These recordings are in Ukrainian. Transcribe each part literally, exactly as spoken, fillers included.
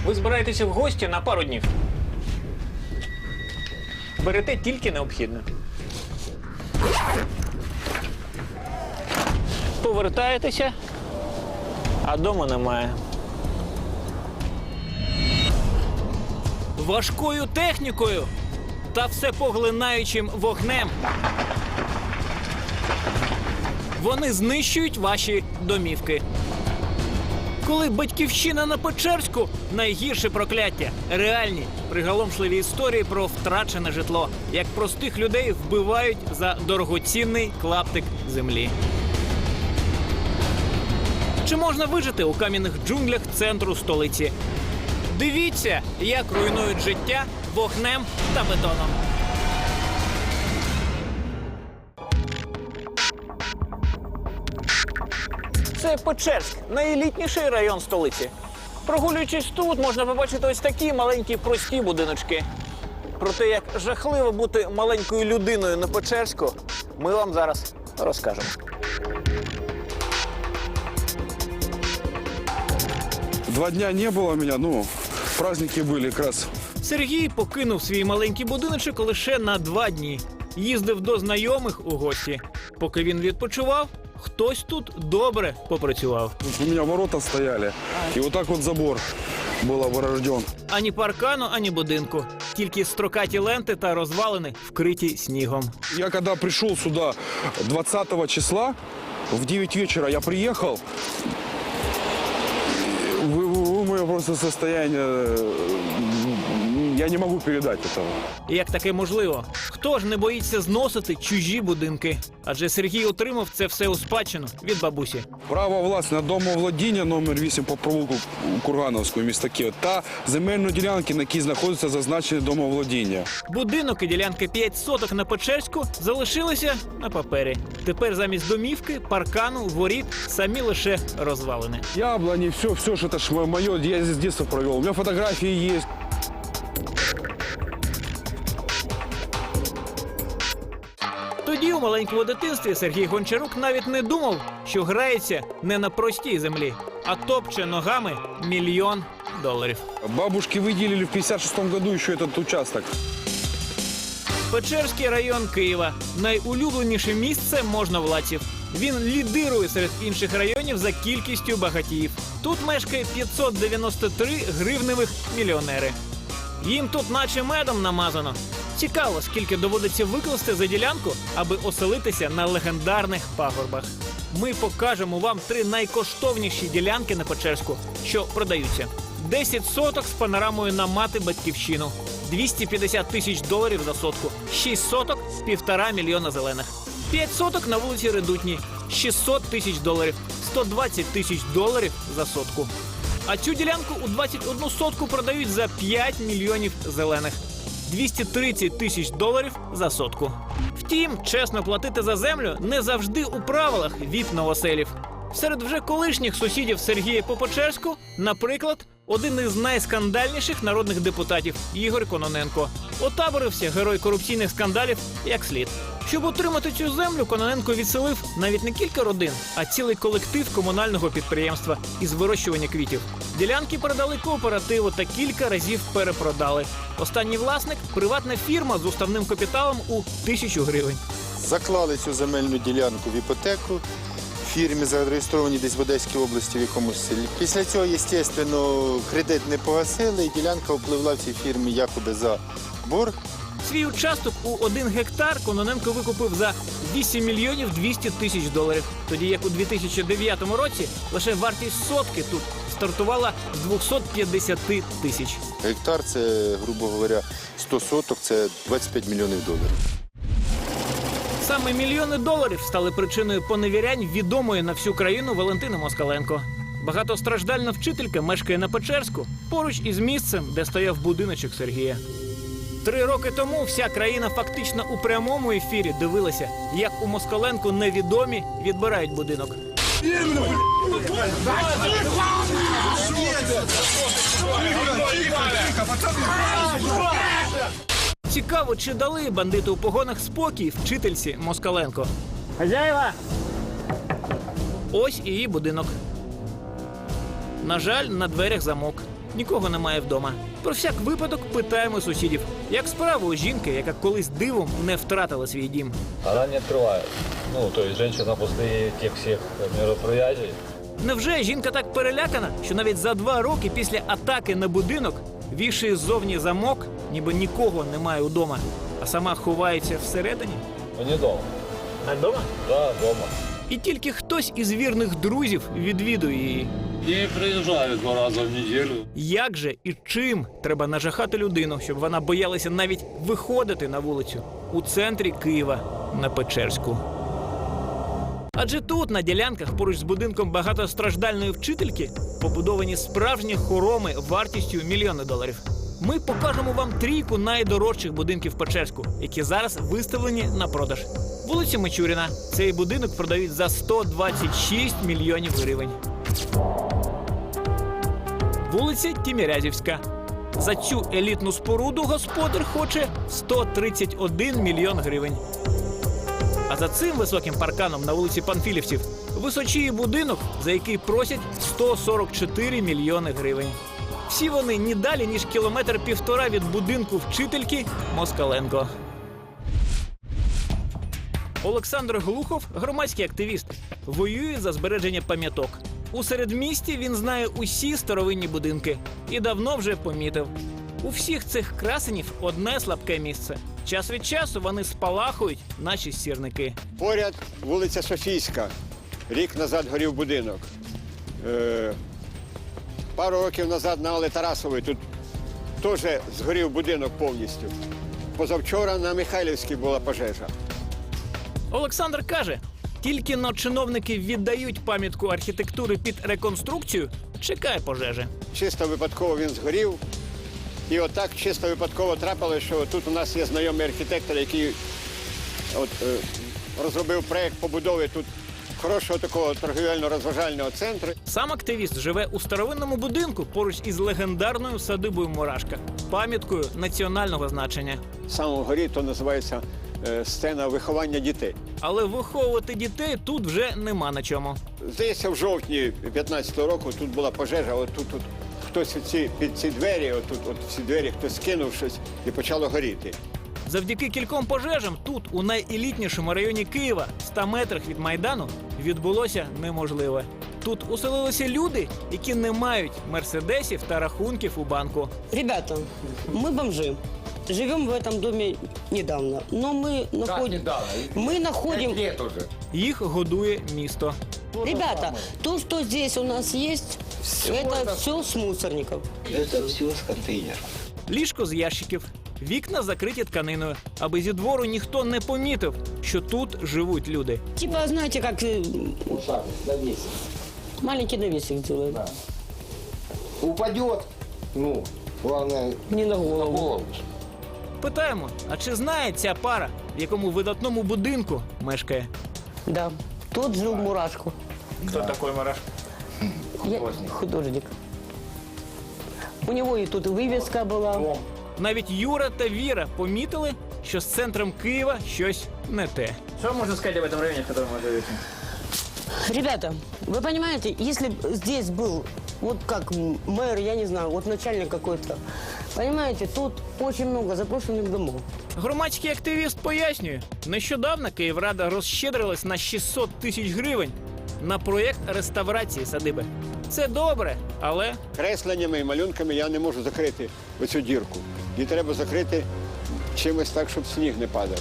Ви збираєтеся в гості на пару днів. Берете тільки необхідне. Повертаєтеся, а дому немає. Важкою технікою та всепоглинаючим вогнем вони знищують ваші домівки. Коли батьківщина на Печерську – найгірше прокляття. Реальні, приголомшливі історії про втрачене житло. Як простих людей вбивають за дорогоцінний клаптик землі. Чи можна вижити у кам'яних джунглях центру столиці? Дивіться, як руйнують життя вогнем та бетоном. Це Печерськ, найелітніший район столиці. Прогулюючись тут, можна побачити ось такі маленькі прості будиночки. Про те, як жахливо бути маленькою людиною на Печерську, ми вам зараз розкажемо. Два дня не было меня, ну, праздники были как раз. Сергій покинув свій маленький будиночок лише на два дні. Їздив до знайомих у гості. Поки він відпочивав, хтось тут добре попрацював. У меня ворота стояли, и вот так вот забор был оборожден. Ані паркану, ані будинку. Тільки строкаті ленти та розвалини, вкриті снігом. Я когда пришел сюда двадцатого числа, в девять вечера я приехал, вы, вы, вы мое просто состояние, я не могу передать этого. Як таке можливо? Хто ж не боїться зносити чужі будинки? Адже Сергій отримав це все у спадщину від бабусі. Право власне на домовладіння номер вісім по провулку Кургановського міста Києва та земельної ділянки, на якій знаходиться зазначене домовладіння. Будинок і ділянка п'ять соток на Печерську залишилися на папері. Тепер замість домівки, паркану, воріт самі лише розвалини. Яблони, все, все, что это ж мое, я здесь детство провел. У меня фотографии есть. Тоді у маленькому дитинстві Сергій Гончарук навіть не думав, що грається не на простій землі, а топче ногами мільйон доларів. Бабушки выделили в пятьдесят шестом году еще этот участок. Печерський район Києва – найулюбленіше місце можновладців. Він лідирує серед інших районів за кількістю багатіїв. Тут мешкає п'ятсот дев'яносто три гривневих мільйонери. Їм тут наче медом намазано. Цікаво, скільки доводиться викласти за ділянку, аби оселитися на легендарних пагорбах. Ми покажемо вам три найкоштовніші ділянки на Печерську, що продаються. десять соток з панорамою на мати-батьківщину. двісті п'ятдесят тисяч доларів за сотку. шість соток – півтора мільйона зелених. п'ять соток на вулиці Редутній – шістсот тисяч доларів. сто двадцять тисяч доларів за сотку. А цю ділянку у двадцять одну сотку продають за п'ять мільйонів зелених. двісті тридцять тисяч доларів за сотку. Втім, чесно платити за землю не завжди у правилах віп-новоселів. Серед вже колишніх сусідів Сергія по Печерську, наприклад, один із найскандальніших народних депутатів – Ігор Кононенко. Отаборився герой корупційних скандалів як слід. Щоб отримати цю землю, Кононенко відселив навіть не кілька родин, а цілий колектив комунального підприємства із вирощування квітів. Ділянки передали кооперативу та кілька разів перепродали. Останній власник – приватна фірма з уставним капіталом у тисячу гривень. Заклали цю земельну ділянку в іпотеку. Фірмі зареєстровані десь в Одеській області в якомусь селі. Після цього, звісно, кредит не погасили, і ділянка впливла в цій фірмі якоби за борг. Свій участок у один гектар Кононенко викупив за вісім мільйонів двісті тисяч доларів. Тоді як у дві тисячі дев'ятому році лише вартість сотки тут стартувала з двохсот п'ятдесяти тисяч. Гектар – це, грубо говоря, сто соток, це двадцять п'ять мільйонів доларів. Саме мільйони доларів стали причиною поневірянь відомої на всю країну Валентини Москаленко. Багатостраждальна вчителька мешкає на Печерську, поруч із місцем, де стояв будиночок Сергія. Три роки тому вся країна фактично у прямому ефірі дивилася, як у Москаленко невідомі відбирають будинок. Цікаво, чи дали бандити у погонах спокій вчительці Москаленко. Хазяєва! Ось і її будинок. На жаль, на дверях замок. Нікого немає вдома. Про всяк випадок питаємо сусідів, як справи у жінки, яка колись дивом не втратила свій дім. Она не открывает. Ну, то есть женщина после тех всех мероприятий. Невже жінка так перелякана, що навіть за два роки після атаки на будинок вішає ззовні замок, ніби нікого немає удома, а сама ховається всередині? Ну, не дома. А вдома? Да, дома. І тільки хтось із вірних друзів відвідує її. И приезжаю два раза в неделю. Як же і чим треба нажахати людину, щоб вона боялася навіть виходити на вулицю у центрі Києва на Печерську? Адже тут, на ділянках поруч з будинком багатостраждальної вчительки, побудовані справжні хороми вартістю мільйони доларів. Ми покажемо вам трійку найдорожчих будинків Печерську, які зараз виставлені на продаж. Вулиця Мичуріна. Цей будинок продають за сто двадцять шість мільйонів гривень. Вулиця Тімірязівська. За цю елітну споруду господар хоче сто тридцять один мільйон гривень. А за цим високим парканом на вулиці Панфілівців височіє будинок, за який просять сто сорок чотири мільйони гривень. Всі вони ні далі, ніж кілометр-півтора від будинку вчительки Москаленко. Олександр Глухов – громадський активіст. Воює за збереження пам'яток. У середмісті він знає усі старовинні будинки. І давно вже помітив. У всіх цих красенів одне слабке місце. Час від часу вони спалахують, наче сірники. Поряд вулиця Софійська. Рік назад горів будинок. Е, пару років назад на Алли Тарасової тут теж згорів будинок повністю. Позавчора на Михайлівській була пожежа. Олександр каже, тільки но чиновники віддають пам'ятку архітектури під реконструкцію, чекає пожежі. Чисто випадково він згорів. І отак чисто випадково трапилося, що тут у нас є знайомий архітектор, який от, е, розробив проєкт побудови тут хорошого такого торгівельно-розважального центру. Сам активіст живе у старовинному будинку поруч із легендарною садибою Мурашка, пам'яткою національного значення. Саме вгорі то називається е, сцена виховання дітей. Але виховувати дітей тут вже нема на чому. Здається, в жовтні п'ятнадцятого року тут була пожежа, от тут, тут хтось ці, під ці двері, от тут от ці двері хтось кинув щось і почало горіти. Завдяки кільком пожежам тут, у найелітнішому районі Києва, ста метрах від Майдану, відбулося неможливе. Тут уселилися люди, які не мають мерседесів та рахунків у банку. Ребята, мы бомжи. Живем в этом доме недавно, но мы находим... Мы находим... Їх годує місто. Ребята, то, что здесь у нас есть, это все с мусорников. Это все с контейнеров. Ліжко з ящиків, вікна закриті тканиною, аби зі двору ніхто не помітив, що тут живуть люди. Типа, знаете, как э, Вот так, навесик. маленький навесик делают. Упадет, ну, главное, Не на на голову. голову. Питаємо, а чи знає ця пара, в якому видатному будинку мешкає? Да. Тут жил Мурашко. Хто такий Мурашко? Я художник. У него и тут вывеска была. Навіть Юра та Віра помітили, що з центром Києва щось не те. Що можна сказати об цьому районі, в якому ви живете? Ребята, вы понимаете, если б здесь был, вот как мэр, я не знаю, вот начальник какой-то, понимаете, тут очень много заброшенных домов. Громадський активіст пояснює, нещодавно Київрада розщедрилась на шістсот тисяч гривень на проєкт реставрації садиби. Це добре, але Кресленнями і малюнками я не можу закрити оцю дірку. Її треба закрити чимось так, щоб сніг не падав.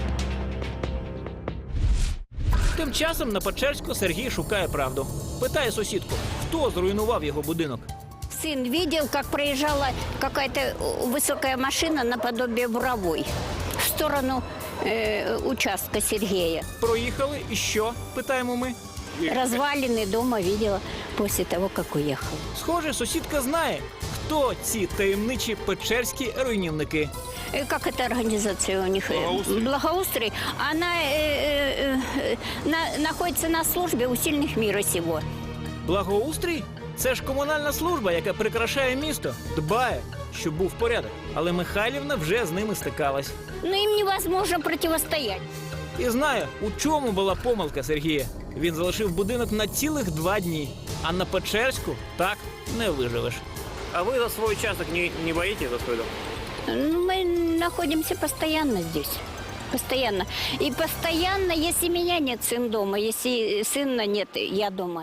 тим часом на Печерську Сергій шукає правду. Питає сусідку, хто зруйнував його будинок. Сын видел, как проезжала какая-то высокая машина наподобие буровой в сторону э, участка Сергея. Проїхали і що? Питаємо ми. Развалины дома видела после того, как уехал. Схоже, сусідка знає, хто ці таємничі печерські руйнівники. Э, Как эта организация у них? Благоустрой. Благоустрой. Она э, э, на, находится на службе у сильных мира сего. Благоустрій? Це ж комунальна служба, яка прикрашає місто, дбає, щоб був порядок. Але Михайлівна вже з ними стикалась. Но им невозможно противостоять. І знає, у чому була помилка Сергія. Він залишив будинок на цілих два дні. А на Печерську так не виживеш. А вы за свой участок не, не боитесь за свой дом? Ну, мы находимся постоянно здесь. Постоянно. И постоянно, если меня нет, сын дома. Если сына нет, я дома.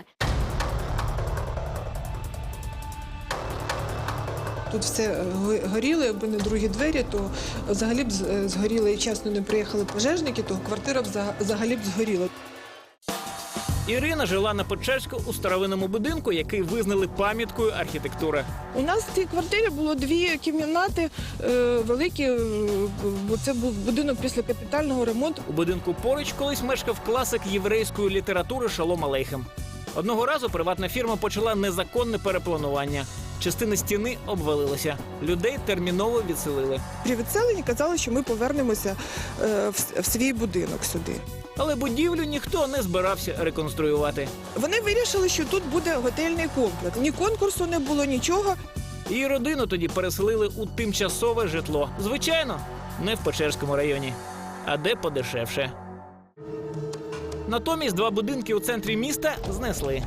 Тут все горіло, якби не другі двері, то взагалі б з- згоріло і чесно не приїхали пожежники, то квартира б взага- взагалі б згоріла. Ірина жила на Печерську у старовинному будинку, який визнали пам'яткою архітектури. У нас в цій квартирі було дві кімнати е, великі, е, бо це був будинок після капітального ремонту. У будинку поруч колись мешкав класик єврейської літератури Шалом Алейхем. Одного разу приватна фірма почала незаконне перепланування. Частина стіни обвалилася. Людей терміново відселили. При відселенні казали, що ми повернемося е, в, в свій будинок сюди. Але будівлю ніхто не збирався реконструювати. Вони вирішили, що тут буде готельний комплекс. Ні конкурсу не було, нічого. Її родину тоді переселили у тимчасове житло. Звичайно, не в Печерському районі, а де подешевше. Натомість два будинки у центрі міста знесли.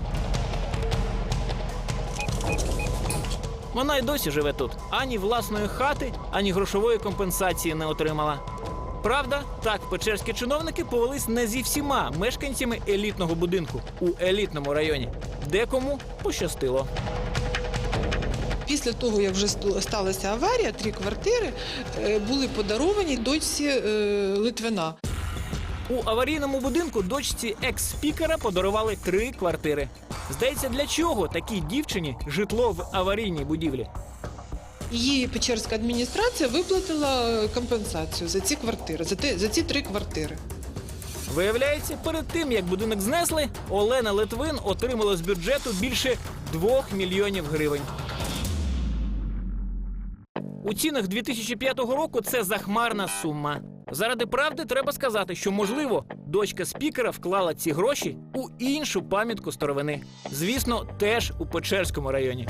Вона й досі живе тут. Ані власної хати, ані грошової компенсації не отримала. Правда, так печерські чиновники повелись не зі всіма мешканцями елітного будинку у елітному районі. Декому пощастило. Після того, як вже ст- сталася аварія, три квартири е, були подаровані дочці е, Литвина. У аварійному будинку дочці екс-спікера подарували три квартири. Здається, для чого такій дівчині житло в аварійній будівлі? Її Печерська адміністрація виплатила компенсацію за ці квартири, за, те, за ці три квартири. Виявляється, перед тим, як будинок знесли, Олена Литвин отримала з бюджету більше двох мільйонів гривень. У цінах дві тисячі п'ятого року це захмарна сума. Заради правди треба сказати, що, можливо, дочка спікера вклала ці гроші у іншу пам'ятку старовини. Звісно, теж у Печерському районі.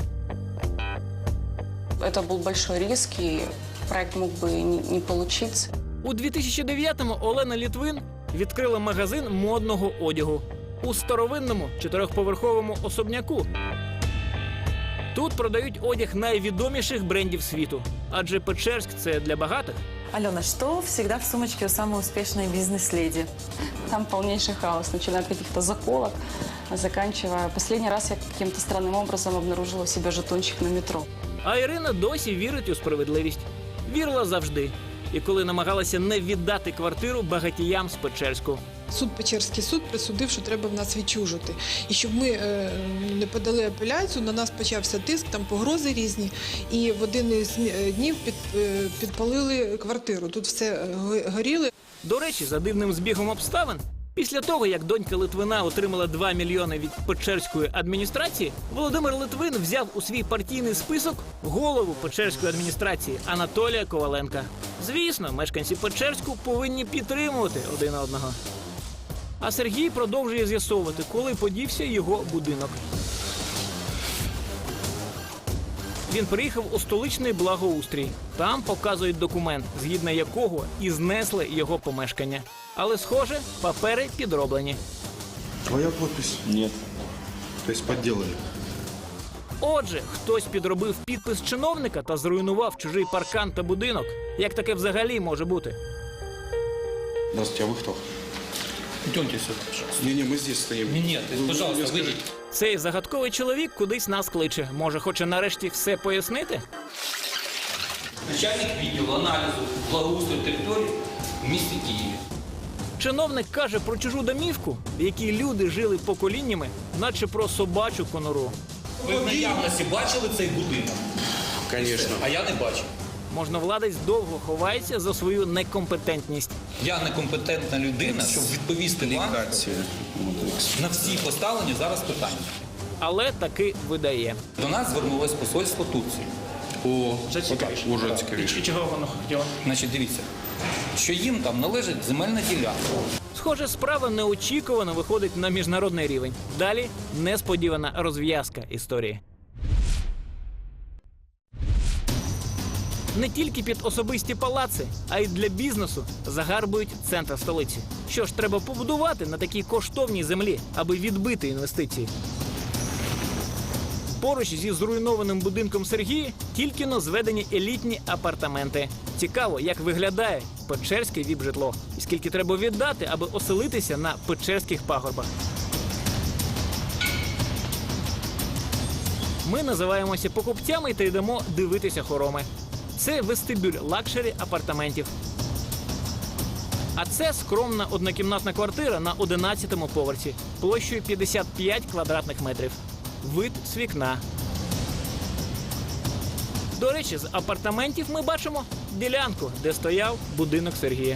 Это был большой риск, и проект мог бы не, не получиться. У дві тисячі дев'ятому Олена Литвин відкрила магазин модного одягу у старовинному чотирьохповерховому особняку. Тут продають одяг найвідоміших брендів світу, адже Печерськ – це для багатих. Алена, что всегда в сумочке у самой успешной бизнес-леди? Там полнейший хаос, начиная от каких-то заколок, заканчивая. Последний раз я каким-то странным образом обнаружила у себя жетончик на метро. А Ірина досі вірить у справедливість. Вірила завжди. І коли намагалася не віддати квартиру багатіям з Печерську. Суд Печерський суд присудив, що треба в нас відчужити. І щоб ми е, не подали апеляцію, на нас почався тиск, там погрози різні. І в один із е, днів під, е, підпалили квартиру. Тут все е, го- горіло. До речі, за дивним збігом обставин, після того, як донька Литвина отримала два мільйони від Печерської адміністрації, Володимир Литвин взяв у свій партійний список голову Печерської адміністрації Анатолія Коваленка. Звісно, мешканці Печерську повинні підтримувати один одного. А Сергій продовжує з'ясовувати, коли подівся його будинок. Він приїхав у столичний благоустрій. Там показують документ, згідно якого і знесли його помешкання. Але, схоже, папери підроблені. Твоя подпись? Нет. То есть подделали? Отже, хтось підробив підпис чиновника та зруйнував чужий паркан та будинок. Як таке взагалі може бути? Здравствуйте, а вы кто? Идемте сюда, пожалуйста. Не-не, мы здесь стоим. Нет, Вы- вы пожалуйста, мне скажите. выйдите. Цей загадковий чоловік кудись нас кличе. Може, хоче нарешті все пояснити? Начальник відділу аналізу благоустрою території в місті Києві. Чиновник каже про чужу домівку, в якій люди жили поколіннями, наче про собачу конуру. Ви в наявності бачили цей будинок? Конечно. А я не бачив. Можновладець довго ховається за свою некомпетентність. Я некомпетентна людина, щоб відповісти вам на всі поставлені зараз питання. Але таки видає. До нас звернулось посольство Турції. О, Зацікавіше. уже цікавіше. чого воно хотіло? Значить, дивіться, що їм там належить земельна ділянка. Схоже, справа неочікувано виходить на міжнародний рівень. Далі несподівана розв'язка історії. Не тільки під особисті палаци, а й для бізнесу загарбують центр столиці. Що ж треба побудувати на такій коштовній землі, аби відбити інвестиції? Поруч зі зруйнованим будинком Сергія тільки-но зведені елітні апартаменти. Цікаво, як виглядає печерське віп-житло і скільки треба віддати, аби оселитися на печерських пагорбах. Ми називаємося покупцями та йдемо дивитися хороми. Це вестибюль лакшері апартаментів. А це скромна однокімнатна квартира на одинадцятому поверсі, площею п'ятдесят п'ять квадратних метрів. Вид з вікна. До речі, з апартаментів ми бачимо ділянку, де стояв будинок Сергія.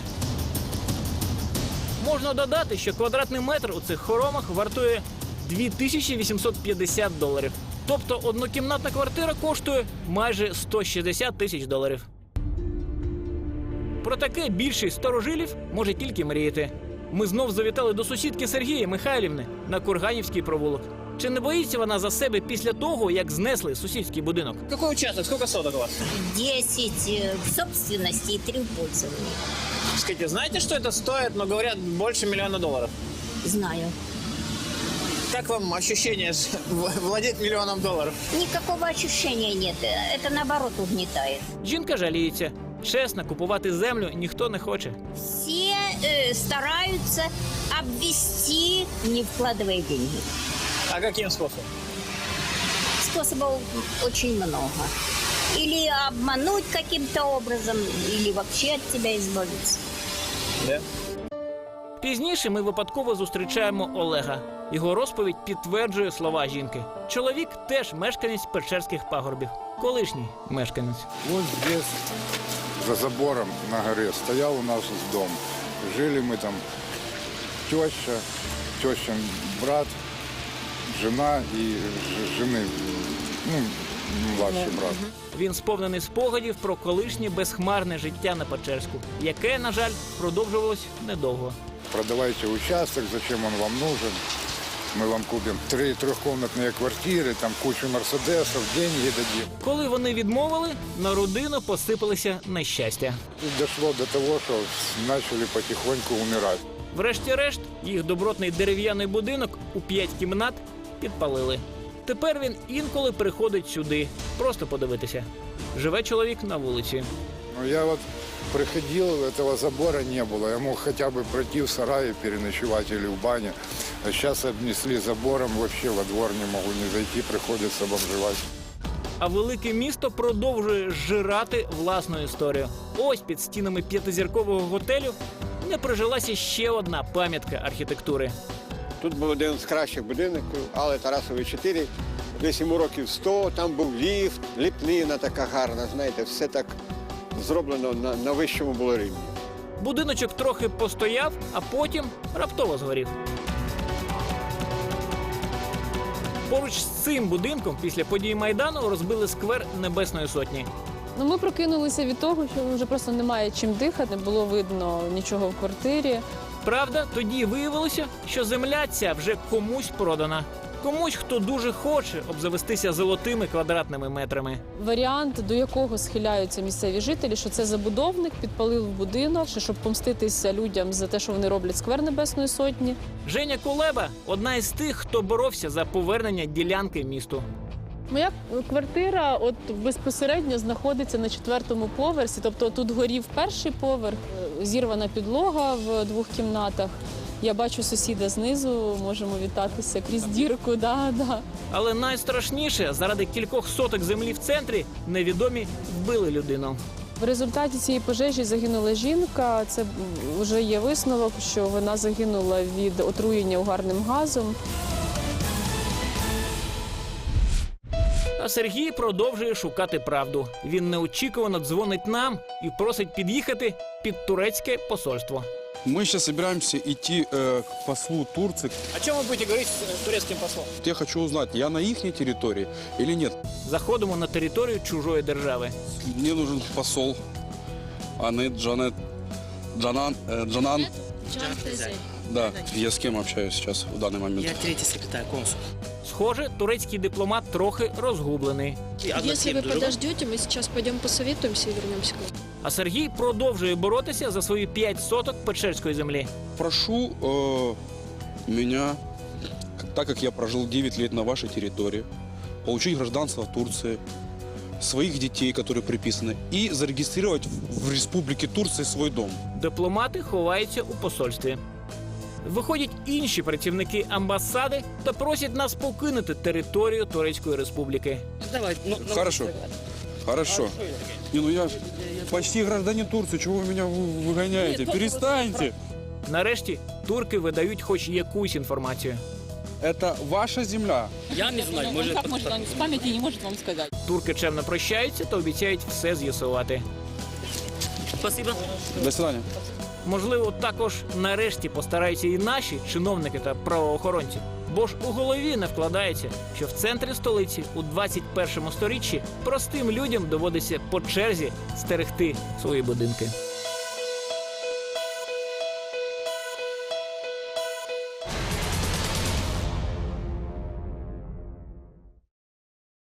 Можна додати, що квадратний метр у цих хоромах вартує дві тисячі вісімсот п'ятдесят доларів. Тобто однокімнатна квартира коштує майже сто шістдесят тисяч доларів. Про таке більшість старожилів може тільки мріяти. Ми знов завітали до сусідки Сергія Михайлівни на Курганівський провулок. Чи не боїться вона за себе після того, як знесли сусідський будинок? Какой участок? Сколько соток у вас? десять в собственности и три в пользовании. Скажите, знаете, что это стоит, но говорят, больше миллиона долларов? Знаю. Как вам ощущение владеть миллионом долларов? Никакого ощущения нет. Это наоборот угнетает. Жінка жаліється. Чесно, купувати землю ніхто не хоче. Все э, стараются обвести, не вкладывая деньги. А каким способом? Способов очень много. Или обмануть каким-то образом, или вообще от тебя избавиться. Да? Пізніше ми випадково зустрічаємо Олега. Його розповідь підтверджує слова жінки. Чоловік теж мешканець Печерських пагорбів. Колишній мешканець. Вот здесь, за забором на горе, стоял у нас дом. Жили мы там теща, тещин брат, жена и ж- жены, ну, младший брат. Він сповнений спогадів про колишнє безхмарне життя на Печерську, яке, на жаль, продовжувалось недовго. Продавайте участок, зачем он вам нужен? Мы вам купим три трехкомнатные квартиры, там кучу мерседесов, деньги дадим. Коли вони відмовили, на родину посипалися нещастя. И дошло до того, что начали потихоньку умирать. Врешті-решт, їх добротний дерев'яний будинок у п'ять кімнат підпалили. Тепер він інколи приходить сюди, просто подивитися. Живе чоловік на вулиці. Ну, я вот приходил, этого забора не было. Я мог хотя бы пройти в сарае, переночевать или в бане. А сейчас обнесли забором, вообще во двор не могу не зайти, приходится бомжевать. А велике місто продовжує зжирати власну історію. Ось під стінами п'ятизіркового готелю не прижилася ще одна пам'ятка архітектури. Тут був один з кращих будинків, але Тарасової чотири. Десь йому років сто, там був ліфт, ліпнина така гарна, знаєте, все так зроблено на, на вищому було рівні. Будиночок трохи постояв, а потім раптово згорів. Поруч з цим будинком після подій Майдану розбили сквер Небесної Сотні. Ну, ми прокинулися від того, що вже просто немає чим дихати, не було видно нічого в квартирі. Правда, тоді виявилося, що земля ця вже комусь продана. Комусь, хто дуже хоче обзавестися золотими квадратними метрами. Варіант, до якого схиляються місцеві жителі, що це забудовник підпалив будинок, щоб помститися людям за те, що вони роблять сквер Небесної Сотні. Женя Кулеба – одна із тих, хто боровся за повернення ділянки місту. Моя квартира от безпосередньо знаходиться на четвертому поверсі, тобто тут горів перший поверх, зірвана підлога в двох кімнатах. Я бачу сусіда знизу, можемо вітатися крізь дірку. Да, да. Але найстрашніше – заради кількох соток землі в центрі невідомі вбили людину. В результаті цієї пожежі загинула жінка. Це вже є висновок, що вона загинула від отруєння угарним газом. А Сергій продовжує шукати правду. Він неочікувано дзвонить нам і просить під'їхати під турецьке посольство. Мы сейчас собираемся идти э, к послу Турции. О чем вы будете говорить с турецким послом? Я хочу узнать, я на их территории или нет. Заходимо на територію чужої держави. Мне нужен посол Анет Джанет Джанан э, Джанан. Да, я с кем общаюсь сейчас в данный момент? Я третий секретарь, консул. Схоже, турецький дипломат трохи розгублений. Якщо ви подождете, ми зараз підемо посовітуємося і вернемося к вам. А Сергій продовжує боротися за свої п'ять соток печерської землі. Прошу э, меня, так как я прожил девять лет на вашей территории, получить гражданство Турции, своих детей, которые приписаны, и зарегистрировать в Республике Турции свой дом. Дипломати ховаються у посольстві. Виходять інші працівники амбасади та просять нас покинути територію Турецької республіки. Давай, ну, ну, Хорошо. Хорошо. Не, ну я почти гражданин Турции, чего вы меня вы- выгоняете? Перестаньте. Нарешті турки видають хоч якусь інформацію. Это ваша земля. Я не знаю, может... Как может он с памяти не может вам сказать? Турки чемно прощаються та обіцяють все з'ясувати. Спасибо. До свидания. Можливо, також нарешті постараються і наші чиновники та правоохоронці. Бо ж у голові не вкладається, що в центрі столиці у двадцять першому сторіччі простим людям доводиться по черзі стерегти свої будинки.